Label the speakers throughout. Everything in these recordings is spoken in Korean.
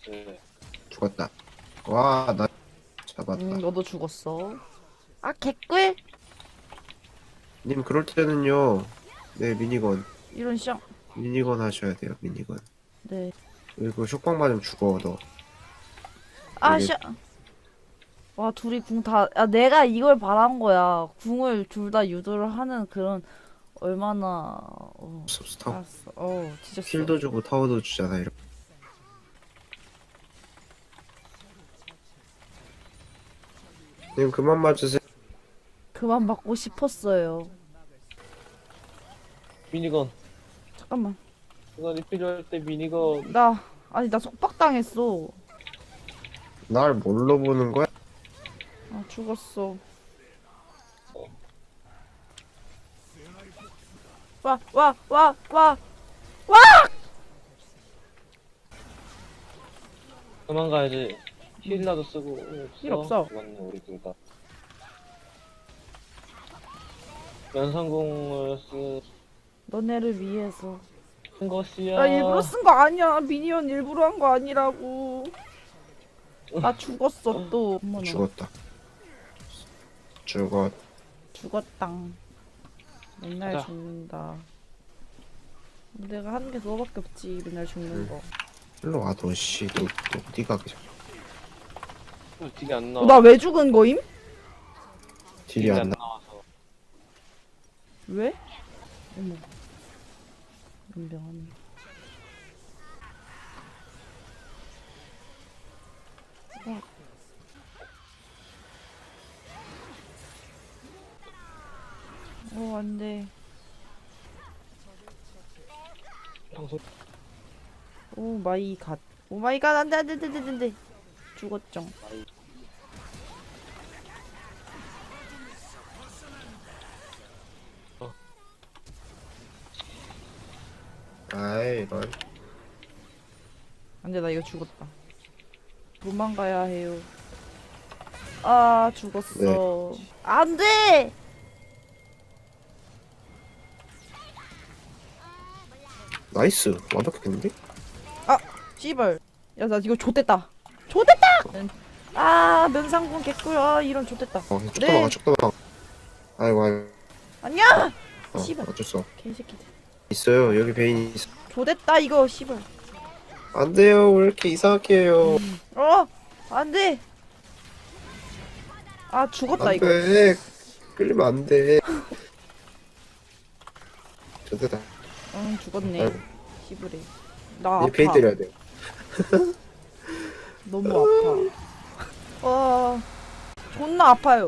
Speaker 1: 네.
Speaker 2: 죽었다. 와, 나 잡았다.
Speaker 3: 너도 죽었어. 아, 개꿀?
Speaker 2: 님, 그럴 때는요. 네, 미니건.
Speaker 3: 이런 쌍.
Speaker 2: 미니건 하셔야 돼요, 미니건.
Speaker 3: 네.
Speaker 2: 그리고 쇼빵 맞으면 죽어, 너.
Speaker 3: 아,
Speaker 2: 이게-
Speaker 3: 쌍. 와, 둘이 궁 다. 야, 내가 이걸 바란 거야. 궁을 둘 다 유도를 하는 그런, 얼마나.
Speaker 2: 스톱.
Speaker 3: 알았어. 진짜.
Speaker 2: 힐도 주고 타워도 주잖아, 이렇게. 님, 그만 맞으세요.
Speaker 3: 그만 받고 싶었어요.
Speaker 1: 미니건.
Speaker 3: 잠깐만.
Speaker 1: 시간이 필요할 때 미니건.
Speaker 3: 아니, 나 속박당했어.
Speaker 2: 날 뭘로 보는 거야?
Speaker 3: 아, 죽었어. 와, 와, 와, 와.
Speaker 1: 그만 가야지. 힐라도 쓰고.
Speaker 3: 힐 없어.
Speaker 1: 죽었네, 우리 둘 다. 연상공을
Speaker 3: 너네를 위해서.
Speaker 1: 쓴 것이야.
Speaker 3: 나 일부러 쓴 거 아니야. 미니언 일부러 한 거 아니라고. 나 죽었어 또. 어머나.
Speaker 2: 죽었다. 죽었.
Speaker 3: 죽었당. 맨날
Speaker 1: 가자.
Speaker 3: 죽는다. 내가 하는 게 그거밖에 없지. 맨날 죽는 거.
Speaker 2: 일로 와, 너, 씨. 너, 니가 그냥.
Speaker 1: 딜이 안 나와.
Speaker 3: 나 왜 죽은 거임?
Speaker 2: 딜이 안 나.
Speaker 1: 나와서.
Speaker 3: 왜? 어머. 연병하네. 안 돼.
Speaker 1: 방송.
Speaker 3: 오 마이 갓. 오 마이 갓. 안 돼, 안 돼, 안 돼, 안 돼, 안 돼. 죽었죠.
Speaker 2: 아이, 넌.
Speaker 3: 안 돼, 나 이거 죽었다. 도망가야 해요. 아, 죽었어. 안 돼!
Speaker 2: 나이스. 완벽했는데?
Speaker 3: 씨발. 야, 나 이거 좆됐다. 좆됐다! 아, 면상군 개꿀. 아, 이런 좆됐다.
Speaker 2: 쭉
Speaker 3: 네.
Speaker 2: 넘어가, 쭉 넘어가. 아이고, 아이고.
Speaker 3: 아니야! 씨발.
Speaker 2: 어쩔 수 없어.
Speaker 3: 개새끼들.
Speaker 2: 있어요. 여기 베인이 있어.
Speaker 3: 좆됐다, 이거, 씨발.
Speaker 2: 안 돼요. 왜 이렇게 이상하게 해요.
Speaker 3: 안 돼! 아, 죽었다,
Speaker 2: 안
Speaker 3: 이거.
Speaker 2: 돼. 끌리면 안 돼. 좋다.
Speaker 3: 응, 죽었네.
Speaker 2: 아이고.
Speaker 3: 씨부레. 나
Speaker 2: 얘 베인
Speaker 3: 아파.
Speaker 2: 때려야 돼.
Speaker 3: 너무 아파. 와, 존나 아파요.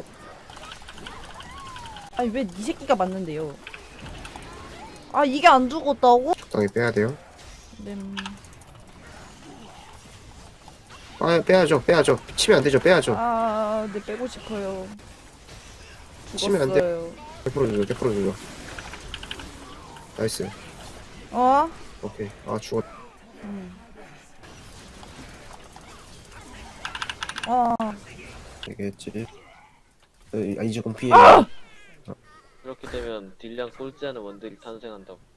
Speaker 3: 아니 왜 이 새끼가 맞는데요? 아 이게 안 죽었다고?
Speaker 2: 적당히 빼야 돼요.
Speaker 3: 네.
Speaker 2: 아, 빼야죠. 빼야죠. 치면 안 되죠. 빼야죠.
Speaker 3: 네 빼고 싶어요.
Speaker 2: 치면 안 돼.
Speaker 3: 죽었어요.
Speaker 2: 100% 주죠. 100% 주죠. 나이스.
Speaker 3: 어?
Speaker 2: 오케이. 아, 죽었. 되겠지. 이제 공 피해.
Speaker 1: 이렇게 되면 딜량 꼴찌하는 원딜이 탄생한다고.